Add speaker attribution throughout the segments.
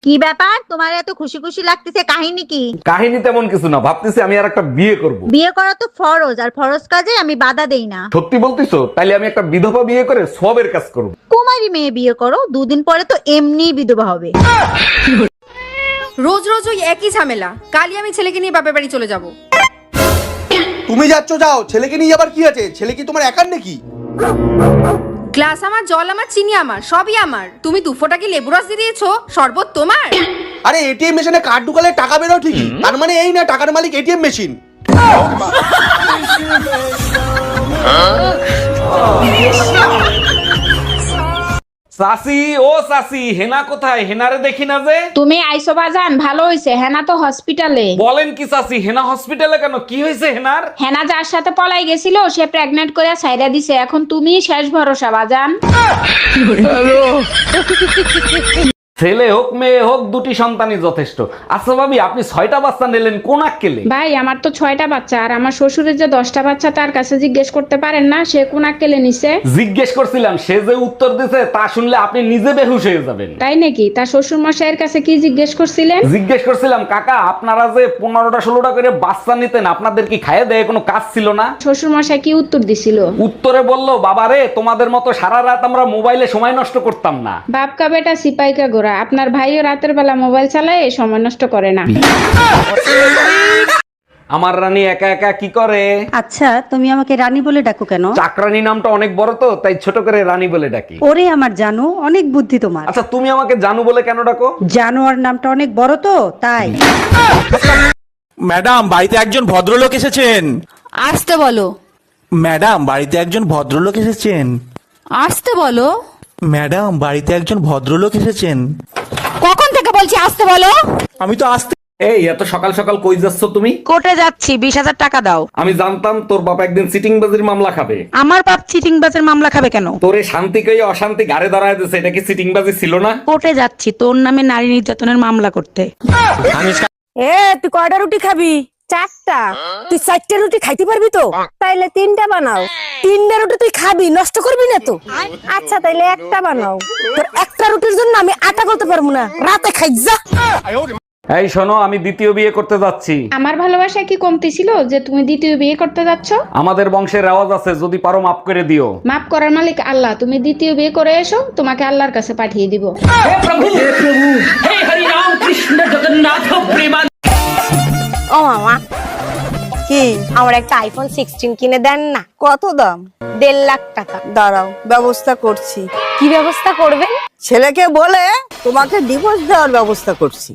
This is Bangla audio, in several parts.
Speaker 1: কি ব্যাপার, তোমার এত খুশি খুশি লাগতেছে? কাহিনী কি?
Speaker 2: কাহিনী তেমন কিছু না, ভাবতেছি আমি আর একটা বিয়ে করব।
Speaker 1: বিয়ে করা তো ফরজ, আর ফরজ কাজে আমি বাধা দেই না।
Speaker 2: সত্যি বলতিছো? তাইলে আমি একটা বিধবা বিয়ে করে সবের কাজ করব।
Speaker 1: কুমারী মেয়ে বিয়ে করো, 2 দিন পরে তো এমনিই বিধবা হবে।
Speaker 3: রোজ রোজ ওই একই ঝামেলা। কালই আমি ছেলেকে নিয়ে বাপের বাড়ি চলে যাব।
Speaker 4: তুমি যাচ্ছ যাও, ছেলেকে নিয়ে আবার কি আছে? ছেলে কি তোমার একার নাকি?
Speaker 3: গ্লাস আমার, জল আমার, চিনি আমার, সবই আমার। তুমি 2 ফোঁটা কি লেবু রস দিয়ে দিয়েছো? শরবত তোমার?
Speaker 4: আরে এটিএম মেশিনে কার্ড ঢুকালে টাকা বেরো ঠিকই, তার মানে এই না টাকার মালিক এটিএম মেশিন।
Speaker 2: চাচি, ও চাচি, হেনা কোথায়? হেনারে দেখি না যে।
Speaker 5: তুমি আইসো বাজান, ভালো হইছে। হেনা তো হসপিটালে।
Speaker 2: বলেন কি চাচি? হেনা হসপিটালে কেন? কি হয়েছে হেনার?
Speaker 5: হেনা যার সাথে পলাই গেছিল সে প্রেগনেন্ট করে সাইরা দিছে। এখন তুমি শেষ ভরসা বাজান।
Speaker 2: ছেলে হোক মেয়ে হোক, 2টি সন্তানই যথেষ্ট। আচ্ছা ভাবি, আপনি 6টা বাচ্চা নিলেন কোন আক্কেলে?
Speaker 5: ভাই আমার তো 6টা বাচ্চা, আর আমার শ্বশুরের যে 10টা বাচ্চা তার কাছে জিজ্ঞেস করতে পারেন না সে কোন আক্কেলে নিছে?
Speaker 2: জিজ্ঞেস করছিলাম, সে যে উত্তর দিছে তা শুনলে আপনি নিজে বেহুশ হয়ে যাবেন।
Speaker 5: তাই নাকি? তার শ্বশুর মশাইয়ের কাছে কি জিজ্ঞেস করছিলেন?
Speaker 2: জিজ্ঞেস করছিলাম, কাকা আপনারা যে 15টা 16টা করে বাচ্চা নিতেন, আপনাদের কি খাইয়ে দেয় কোনো কাজ ছিল না?
Speaker 5: শ্বশুর মশাই কি উত্তর দিছিল?
Speaker 2: উত্তরে বলল, বাবারে তোমাদের মতো সারা রাত আমরা মোবাইলে সময় নষ্ট করতাম না।
Speaker 5: বাপকা বেটা সিপাইকা গোরা, আপনার ভাইও রাতের বেলা মোবাইল চালায়, সময় নষ্ট করে না।
Speaker 2: আমার রানী একা একা কি করে?
Speaker 6: আচ্ছা, তুমি আমাকে রানী বলে ডাকো কেন?
Speaker 2: চাকরানী নামটা অনেক বড় তো, তাই ছোট করে রানী বলে ডাকি।
Speaker 6: ওরে আমার জানো, অনেক বুদ্ধি তোমার।
Speaker 2: আচ্ছা তুমি আমাকে জানু বলে কেন ডাকো?
Speaker 6: জানোয়ার নামটা অনেক বড় তো, তাই।
Speaker 7: ম্যাডাম, বাড়িতে একজন ভদ্রলোক এসেছেন।
Speaker 3: আসতে বলো।
Speaker 7: ম্যাডাম, বাড়িতে একজন ভদ্রলোক এসেছেন।
Speaker 3: আসতে বলো।
Speaker 7: ম্যাডাম, বাড়িতে একজন ভদ্রলোক এসেছেন।
Speaker 3: কখন থেকে বলছি আসতে বলো?
Speaker 7: আমি তো আসতে।
Speaker 2: এই এত সকাল সকাল কই যাচ্ছ তুমি?
Speaker 6: কোর্টে যাচ্ছি, 20,000 টাকা দাও।
Speaker 2: আমি জানতাম তোর বাবা একদিন চিটিংবাজির মামলা খাবে।
Speaker 6: আমার বাপ চিটিংবাজের মামলা খাবে কেন?
Speaker 2: তোরে শান্তি কই অশান্তি গাড়ে দাঁড়ায় দিছে, এটা কি চিটিংবাজি ছিল না?
Speaker 6: কোর্টে যাচ্ছি তোর নামে নারী নির্যাতনের মামলা করতে।
Speaker 8: এ তুই কয়টা রুটি খাবি? 4টা। তুই 4টা রুটি খাইতে পারবি তো? তাইলে 3টা বানাও। 3টা রুটি তুই খাবি, নষ্ট করবি না তো? আচ্ছা তাইলে একটা বানাও। তোর একটা রুটির জন্য আমি আটা করতে পারবো না, রাতে খাই যা।
Speaker 2: এই শোনো, আমি দ্বিতীয় বিয়ে করতে যাচ্ছি।
Speaker 5: আমার ভালোবাসা কি কমতি ছিল যে তুমি দ্বিতীয় বিয়ে করতে যাচ্ছ?
Speaker 2: আমাদের বংশের রেওয়াজ আছে, যদি পারো মাফ করে দিও।
Speaker 5: মাফ করার মালিক আল্লাহ। তুমি দ্বিতীয় বিয়ে করে এসো, তোমাকে আল্লাহর কাছে পাঠিয়ে দিব।
Speaker 8: ও মামা, কি আমার একটা আইফোন 16 কিনে দেন না?
Speaker 9: কত দাম?
Speaker 8: 1.5 লাখ টাকা।
Speaker 9: দাঁড়াও, ব্যবস্থা করছি।
Speaker 8: কি ব্যবস্থা করবেন?
Speaker 9: ছেলেকে বলে তোমাকে ডিভোর্স দেওয়ার ব্যবস্থা করছি।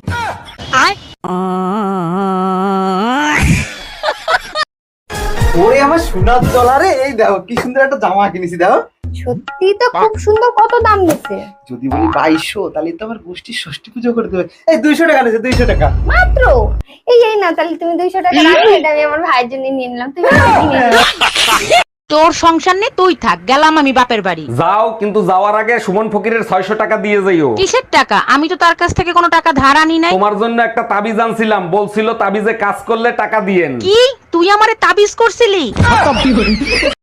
Speaker 4: ওরে আমার সোনার ডলারে, এই দেখো কি সুন্দর একটা জামা কিনেছি, দেখো।
Speaker 8: সত্যি তো খুব সুন্দর। কত দাম নিচ্ছে?
Speaker 4: যদি বলি 2200, তাহলে তো আমার গোষ্ঠীর ষষ্ঠী পুজো করে দেবে। এই 200 টাকা নিয়েছে, 200 টাকা
Speaker 8: মাত্র। এই না, তাহলে তুমি 200 টাকা রাখো, এটা আমি আমার ভাইয়ের জন্য নিয়ে নিলাম। তুমি
Speaker 6: তোর সংসার নেই, তুই থাক, গেলাম আমি বাপের বাড়ি।
Speaker 2: যাও, কিন্তু যাওয়ার আগে সুমন ফকিরের 600 টাকা দিয়ে যাইও।
Speaker 6: কিসের টাকা? আমি তো তার কাছ থেকে কোনো টাকা ধার আনি নাই।
Speaker 2: তোমার জন্য একটা তাবিজ আনছিলাম, বলছিল তাবিজে কাজ করলে টাকা দিয়েন।
Speaker 6: কি? তুই আমারে তাবিজ করছিলি?